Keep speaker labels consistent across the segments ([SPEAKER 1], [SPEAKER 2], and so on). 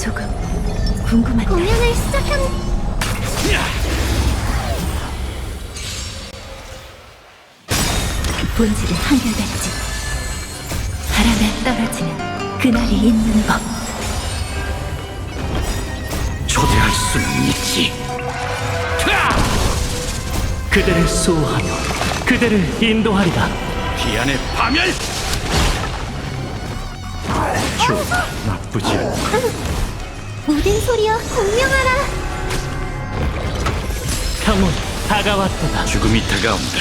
[SPEAKER 1] 조금 궁금한데.
[SPEAKER 2] 공연을 시작합니다.
[SPEAKER 1] 본질은 한결같지. 바람에 떨어지는 그날이 있는 법.
[SPEAKER 3] 초대할 수는 있지. 그대를 수호하며 그대를 인도하리라. 기안의 파멸. 좋아, 나쁘지 않고.
[SPEAKER 2] 모든 소리여 공명하라.
[SPEAKER 3] 평온 다가왔도다. 죽음이 다가온다.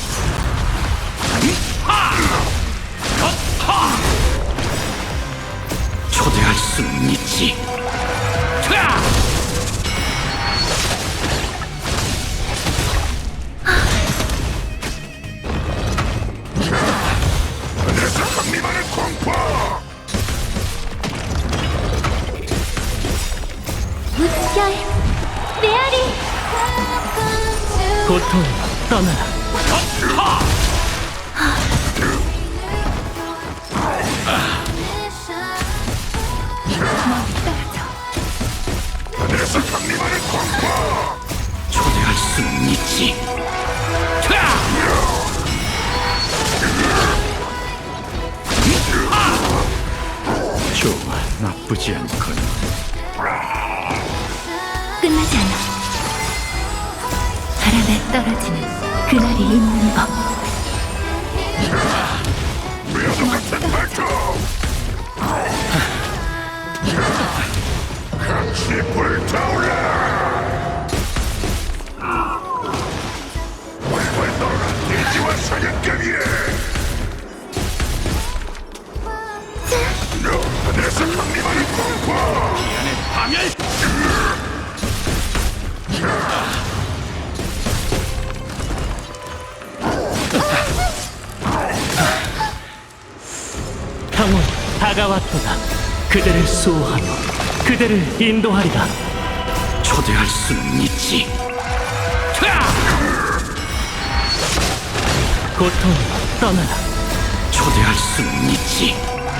[SPEAKER 3] 초대할 수는 있지.
[SPEAKER 2] 물결 메아리.
[SPEAKER 3] 고통 떠나라. 초대할 수는 있지. 좋아, 나쁘지 않군.
[SPEAKER 1] 끝나지 않아. 바람에 떨어지는 그날이 있는 법.
[SPEAKER 3] 기안의 파멸. 평온 다가왔도다. 그대를 수호하며 그대를 인도하리라. 초대할 수는 있지. 고통 떠나라. 초대할 수는 있지.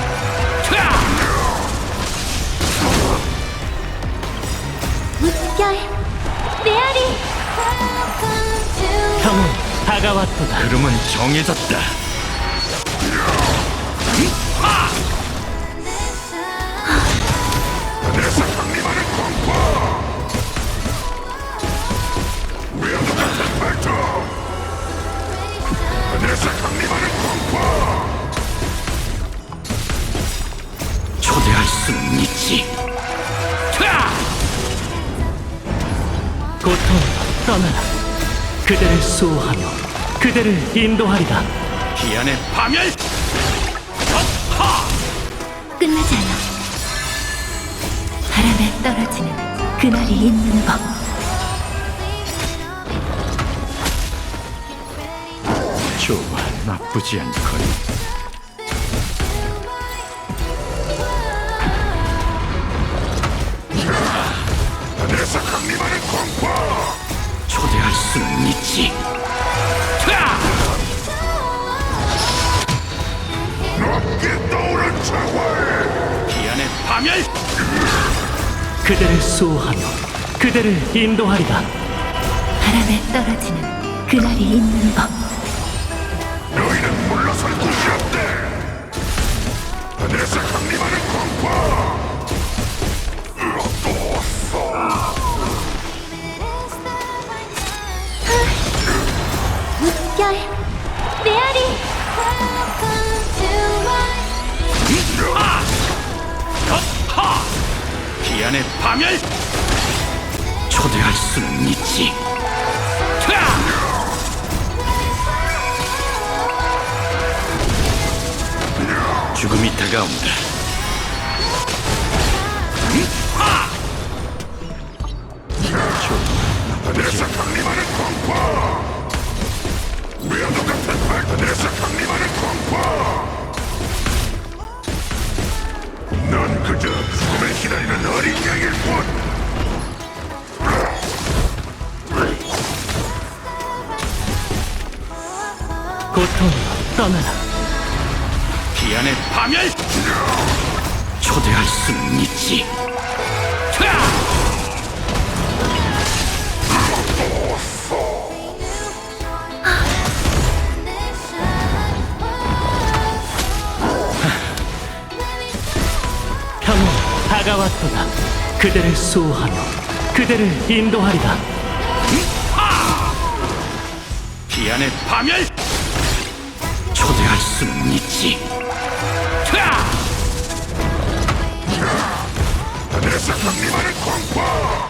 [SPEAKER 2] 물결 메아리.
[SPEAKER 3] 평온 다가왔도다. 흐름은 정해졌다. 초대할 수는 있지. 고통 떠나라. 그대를 수호하며 그대를 인도하리라. 기안의 파멸.
[SPEAKER 1] 끝나지 않아. 바람에 떨어지는 그날이 있는 법.
[SPEAKER 3] 좋아, 나쁘지 않군. 초대할 수는 있지. 기안의 파멸. 그대를 수호하며 그대를 인도하리라.
[SPEAKER 1] 바람에 떨어지는 그날이 있는 법.
[SPEAKER 4] 너희는 물러설 곳이 없대. 하늘에서 강림하는 광파.
[SPEAKER 2] 물결 메아리.
[SPEAKER 3] 기안의 파멸. 초대할 수는 있지. 죽음이 다가온다.
[SPEAKER 4] 하늘에서 강림하는 광파. 외양도 같은 말. 하늘에서 강림하는 광파. 넌 그저 죽음을 기다리는 어린 양일 뿐.
[SPEAKER 3] 고통 떠나라. 기안의 파멸. 초대할 수는 있지. 다가왔도다. 그대를 수호하며 그대를 인도하리라. 기안의 파멸! 초대할 수는 있지.
[SPEAKER 4] 하늘에서 강림하는 광파